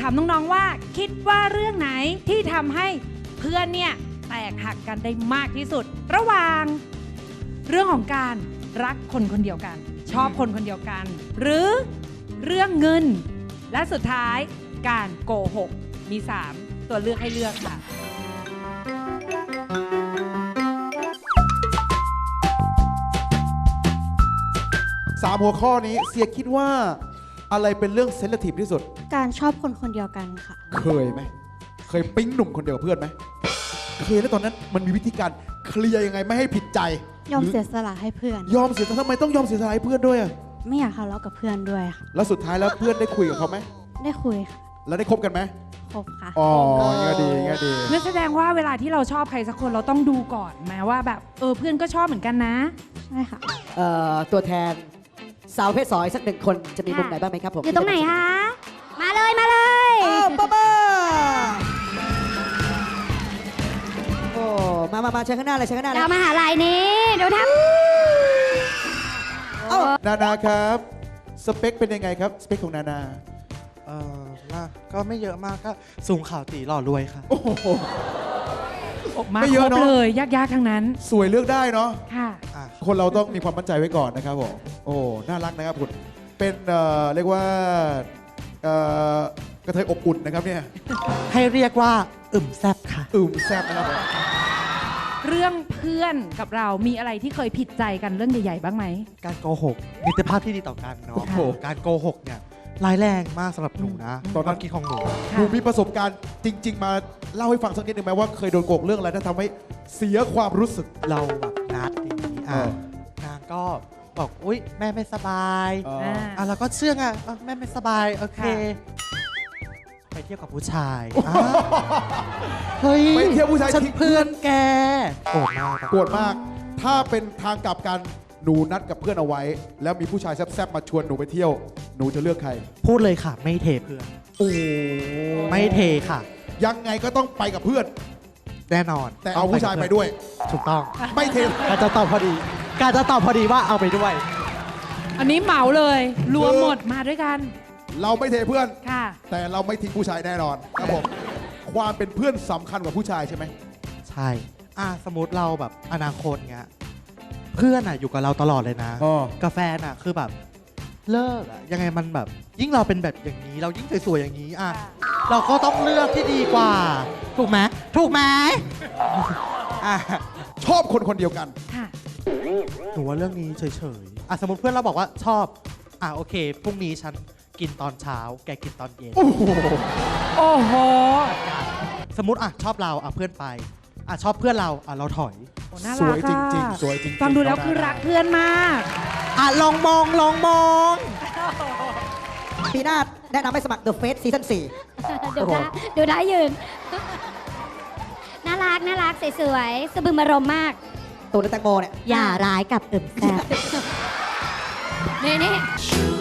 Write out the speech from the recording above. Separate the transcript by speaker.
Speaker 1: ามน้องๆว่าคิดว่าเรื่องไหนที่ทำให้เพื่อนเนี่ยแตกหักกันได้มากที่สุด ระหว่างเรื่องของการรักคนคนเดียวกัน ชอบคนคนเดียวกัน หรือเรื่องเงิน และสุดท้ายการโกหกมี 3 ตัวเลือกให้เลือกค่ะ
Speaker 2: 3 หัวข้อนี้เสียคิดว่าอะไรเป็นเรื่องเซนซิทีฟที่สุด
Speaker 3: การชอบคนคนเดียวกันค่ะ
Speaker 2: เคยไหม เคยปิ๊งหนุ่มคนเดียวกับเพื่อนไหม เคยแล้วตอนนั้นมันมีวิธีการเคลียร์ยังไงไม่ให้ผิดใจ
Speaker 3: ยอม
Speaker 2: หรื
Speaker 3: เสียสละให้เพื่อน
Speaker 2: ยอมเสียสละทำไมต้องยอมเสียสละให้เพื่อนด้วยอะ
Speaker 3: ไม่อยากทะเลาะกับเพื่อนด้วยค่ะ
Speaker 2: แล้วสุดท้ายแล้วเพื่อนได้คุยกับเขาไหม
Speaker 3: ได้คุยค่ะ
Speaker 2: แล้วได้คบกันไหม
Speaker 3: คบค่ะ
Speaker 2: อ๋อเงี้ยดีเงี้ยดี
Speaker 1: นั่นแสดงว่าเวลาที่เราชอบใครสักคนเราต้องดูก่อนไหมว่าแบบเพื่อนก็ชอบเหมือนกันนะ
Speaker 3: ใช่ค่ะ
Speaker 4: ตัวแทนสาวเพศสองอีกสัก 1 คนจะมีมุมไหนบ้างไหมครับผม
Speaker 3: อยู่ตรงไหนคะ มาเลยมาเลย
Speaker 4: อ้าวป้าโอ้มาเชิญข้างหน้าเลยเชิญข้างหน้าเลย
Speaker 3: เรามหาลัยนี้ดูทับ
Speaker 4: เอ้า
Speaker 2: นานาครับ สเปคเป็นยังไงครับ สเปคของนานา
Speaker 5: มากก็ไม่เยอะมากก็สูงข่าวตีหล่อรวยค่ะ
Speaker 2: โอ้โห
Speaker 1: มา
Speaker 2: ไม่เย
Speaker 1: คร
Speaker 2: อะ
Speaker 1: บ
Speaker 2: เนอะ
Speaker 1: เลยยากๆทั้งนั้น
Speaker 2: สวยเลือกได้เนาะ
Speaker 1: ค่ะ
Speaker 5: อ่ะ
Speaker 2: คนเราต้องมีความมั่นใจไว้ก่อนนะครับผม โอ้ น่ารักนะครับคุณ เป็นเรียกว่ากระเทยอบอุ่นนะครับเนี่ย
Speaker 5: ให้เรียกว่าอึมแซบค่ะ
Speaker 2: แซ่บนะครับผม
Speaker 1: เรื่องเพื่อนกับเรามีอะไรที่เคยผิดใจกันเรื่องใหญ่ๆบ้างไหม
Speaker 5: การโกหกมิตรภาพที่ดีต่อกันเนาะ
Speaker 2: โอ้โห
Speaker 5: การโกหกเนี่ยร้ายแรงมากสำหรับหนูนะ
Speaker 2: ตอนนั้น
Speaker 5: ความคิดของหนู
Speaker 2: หนูมีประสบการณ์จริง ๆ มาเล่าให้ฟังสักนิดหนึ่งไหมว่าเคยโดนโกงเรื่องอะไรที่ทำให้เสียความรู้สึก
Speaker 5: เราแบบนัดอย่างนี้
Speaker 2: เออ
Speaker 5: นางก็บอกอุ๊ยแม่ไม่สบาย
Speaker 1: อ่า
Speaker 5: เราก็เชื่อไงแม่ไม่สบายโอเค
Speaker 1: ค่ะ
Speaker 5: ไปเที่ยวกับผู้ชายเฮ้ย
Speaker 2: ไปเที่ยวผู้ชาย
Speaker 5: ฉัน
Speaker 2: ทิ้ง
Speaker 5: เพื่อนแกโกรธมาก
Speaker 2: โกรธมาก ถ้าเป็นทางกลับกันหนูนัดกับเพื่อนเอาไว้ แล้วมีผู้ชายแซ่บๆมาชวนหนูไปเที่ยว หนูจะเลือกใคร
Speaker 5: พูดเลยค่ะ ไม่เทเพื่อน
Speaker 2: โอ้
Speaker 5: ไม่เทค่ะ
Speaker 2: ยังไงก็ต้องไปกับเพื่อน
Speaker 5: แน่นอน
Speaker 2: แต่เอาผู้ชายไปด้วย
Speaker 5: ถูกต้อง
Speaker 2: ไม่เท
Speaker 5: การจะตอบพอดี การจะตอบพอดีว่าเอาไปด้วย
Speaker 1: อันนี้เหมาเลย รวมหมดมาด้วยกัน
Speaker 2: เราไม่เทเพื่อน
Speaker 1: ค่ะ
Speaker 2: แต่เราไม่ทิ้งผู้ชายแน่นอนครับผม ความเป็นเพื่อนสำคัญกว่าผู้ชายใช่ไหม
Speaker 5: ใช่ สมมติเราแบบอนาคตเงี้ย เพื่อนอยู่กับเราตลอดเลยนะ
Speaker 2: อ๋อ
Speaker 5: กาแฟนคือแบบเลิกยังไงมันแบบ ยิ่งเราเป็นแบบอย่างนี้ เรายิ่งสวยๆอย่างนี้เราก็ต้องเลือกที่ดีกว่า ถูกไหมถูกไหมอ่ะ
Speaker 2: ชอบคนคนเดียวกัน
Speaker 1: ค่ะ
Speaker 5: หนูว่าเรื่องนี้เฉยๆสมมติเพื่อนเราบอกว่าชอบโอเคพรุ่งนี้ฉันกินตอนเช้า แกกินตอนเย็น
Speaker 2: โอ้โห
Speaker 1: โอ้โห
Speaker 5: สมมติชอบเราเพื่อนไปชอบเพื่อนเราเราถอย
Speaker 1: โอ้น่า
Speaker 2: ส
Speaker 1: รั
Speaker 2: วย
Speaker 1: ก
Speaker 2: จ
Speaker 1: อะ
Speaker 2: ริงๆสวยจริงๆ
Speaker 1: ฟังดูแล้ว
Speaker 2: น้อง
Speaker 1: คือ
Speaker 2: นานา
Speaker 1: รักเพื่อนมาก
Speaker 5: ลองมอง
Speaker 4: ปีหน้าแนะนำให้สมัคร The Face Season
Speaker 3: ดูได้ยืน น่ารักน่ารักสวยๆสะบึมอารมณ์มาก
Speaker 4: 4 ตัวในแตงโมเนี่ย
Speaker 3: อย่าร้ายกับอึมแซ่บนี่